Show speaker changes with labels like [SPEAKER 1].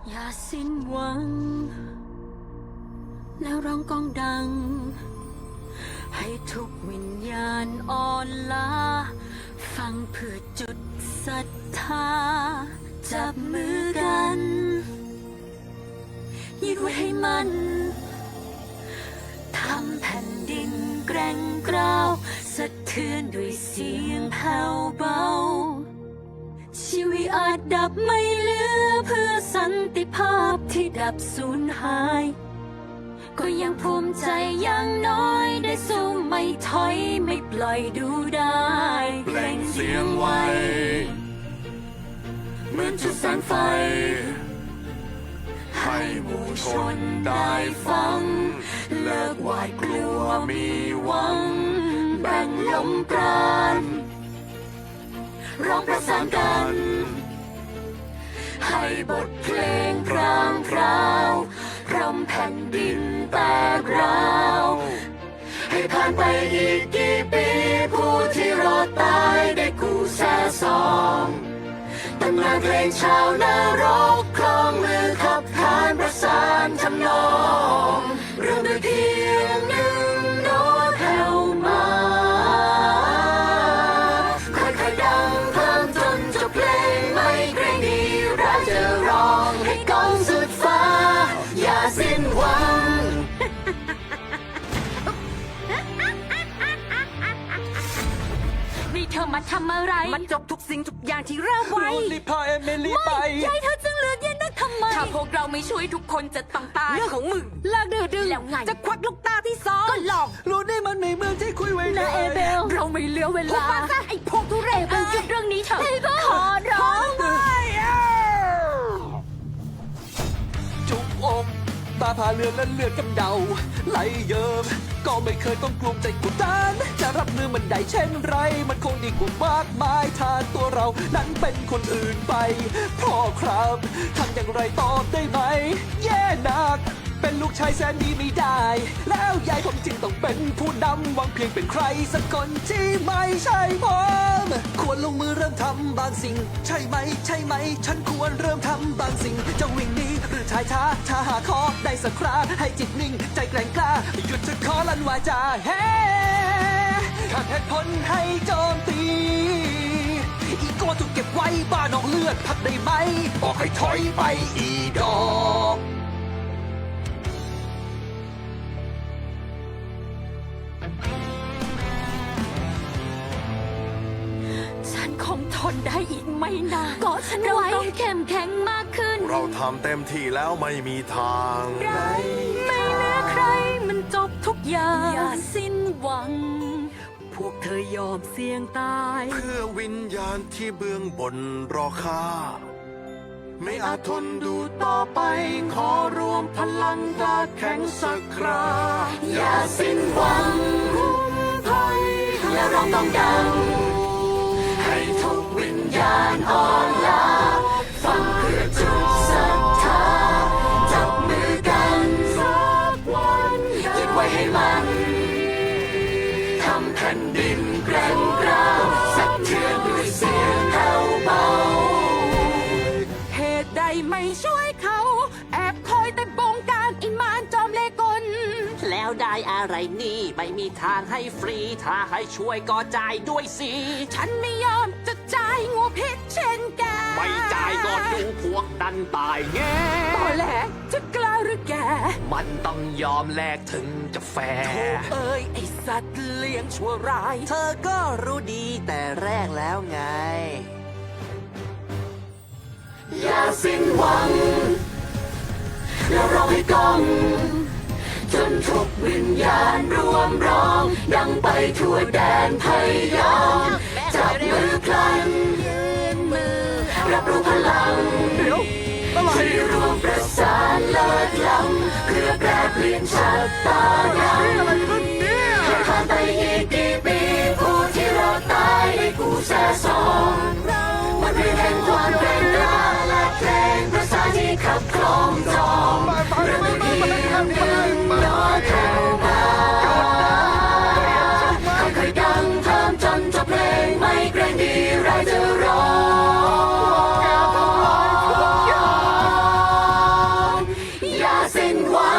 [SPEAKER 1] อย่าสิ้นหวังแล้วร้องก้องดังให้ทุกวิญญาณอ่อนล้าฟังเพื่อจุดศรัทธาจับมือกันยึดไว้ให้มันทำแผ่นดินแกร่งกร้าวสะเทือนด้วยเสียงแผ่วเบาชีวิตอาจดับไม่เหลือเพื่อสันติภาพที่ดับสูญหายก็ยังภูมิใจอย่างน้อยได้สู้ไม่ถอยไม่ปล่อยดูได้
[SPEAKER 2] เปล่งเสียงไว้เหมือนจุดแสงไฟให้หมู่ชนได้ฟังเลิกหวาดกลัวมีหวังแบ่งลมปราณร้องประสานกันให้บทเพลงพรางพราวพรำแผ่นดินแตกร้าวให้ผ่านไปอีกกี่ปีผู้ที่รอดตายได้กู้แซ่ซองตำนานเพลงชาวนรกคล้องมือขับขานประสานทำนองเริ่มด้วยเพียงหนึ่งโน้ตแผ่วมาค่อยๆดังเพิ่มจนจบเพลงไม่เกรงดีเราจะร้องให้ก้องสุดฟ้าอย่าสิ้นหวัง
[SPEAKER 1] นี่เธอมาทำอะไร
[SPEAKER 3] มันจบทุกสิ่งทุกอย่างที่เริ่มไว้
[SPEAKER 4] รีบพาเอมิลี่ไป
[SPEAKER 1] ใจเธอจึงเลือกเย็นนักทำไมถ้าพวกเราไม่ช่วยทุกคนจะต้องตาย
[SPEAKER 3] เรื่องของมึง
[SPEAKER 1] เลิกดื้อ
[SPEAKER 3] แล้วไงจะควักลูกตาที่สอง
[SPEAKER 1] ก็ลอง
[SPEAKER 4] รู้ได้มันในเมืองที่คุยไว้
[SPEAKER 1] นะเอเบลเราไม่เหลือเวลา
[SPEAKER 3] ไอ้พวกทุเรศ
[SPEAKER 1] เบลหยุดเรื่องนี้เถอะขอร้อง
[SPEAKER 4] จุกอกตาผ่าเลือดและเลือดกำเดาไหลเยิ้มก็ไม่เคยต้องกลุ้มใจกดดันจะรับมือมันได้เช่นไรมันคงดีกว่ามากมายถ้าตัวเรานั้นเป็นคนอื่นไปพ่อครับทำอย่างไรตอบได้ไหมแย่หนักเป็นลูกชายแสนดีไม่ได้แล้วยายผมจึงต้องเป็นผู้นำหวังเพียงเป็นใครสักคนที่ไม่ใช่ผมควรลงมือเริ่มทำบางสิ่งใช่ไหมใช่ไหมฉันควรเริ่มทำบางสิ่งจะวิ่งหนีหรือชายช้าถ้าหาคอได้สักคราให้จิตนิ่งใจแกร่งกล้าหยุดจะขอลั่นวาจาเฮ้ขาดเหตุผลให้โจมตีอีโก้ถูกเก็บไว้บ้านอกเลือดพักได้ไหมบอกให้ถอยไปอีดอก
[SPEAKER 1] ฉันคงทนได้อีกไม่นานก็ฉันไว้ต้องเข้มแข็งมากขึ้น
[SPEAKER 2] เราทำเต็มที่แล้วไม่มีทาง
[SPEAKER 1] ไม่เหลือใครมันจบทุกอย่างอย่าสิ้นหวังพวกเธอยอมเสี่ยงตาย
[SPEAKER 2] เพื่อวิญญาณที่เบื้องบนรอข้าไม่อาจทนดูต่อไปขอรวมพลังดาแข็งสักครา
[SPEAKER 1] อย่าสิ้นหวังคุ้มภัยและร้องต้องดัง
[SPEAKER 2] ให้ทุกวิญญาณ
[SPEAKER 1] อ่อนล้าฟังเพื่อจุดศรัทธาจับมือกันสักวันยึดไว้ให้มัน
[SPEAKER 2] ทำแผ่นดินแกร่งกร้าวสะเทือนด้วยเสียงแผ่วเบา
[SPEAKER 3] เหตุใดไม่ช่วยเขาแอบคอยแต่บงการอิมานจอมเลกลแล้วได้อะไรนี่ไม่มีทางให้ฟรีถ้าให้ช่วยก็จ่ายด้วยสิฉันไม่ยอมจะจ่ายงูพิษเช่นแก
[SPEAKER 4] ไม่จ่ายก็ดูพวกดันตายแง่
[SPEAKER 3] ตอแหลจะกล้าหรือแก
[SPEAKER 4] มันต้องยอมแลกถึงจะแฟร์
[SPEAKER 3] โธ่เอ้ยไอสัตว์เลี้ยงชั่วร้าย
[SPEAKER 4] เธอก็รู้ดีแต่แรกแล้วไง
[SPEAKER 2] อย่าสิ้นหวังแล้วร้องให้ก้องจนทุกวิญญาณรวมร้องดังไปทั่วแดนพยองจับมือพลันยืนมือรับรู้พลังที่รวมประสานเลิศล้ำเพื่อแปรเปลี่ยนชะตากรรมให้ผ่านไปอีกกี่ปีผู้ที่รอดตายได้กู้แซ่ซองมันเป็นแห่งความแกร่งกล้าและเพลงภาษาที่ขับคล้องจองเรื่องไม่เพียงหนึ่งน้อยแผ่วเบาค่อยๆดังเพิ่มจนจบเพลงไม่เกรงดีเราจะร้องสิ้นหวั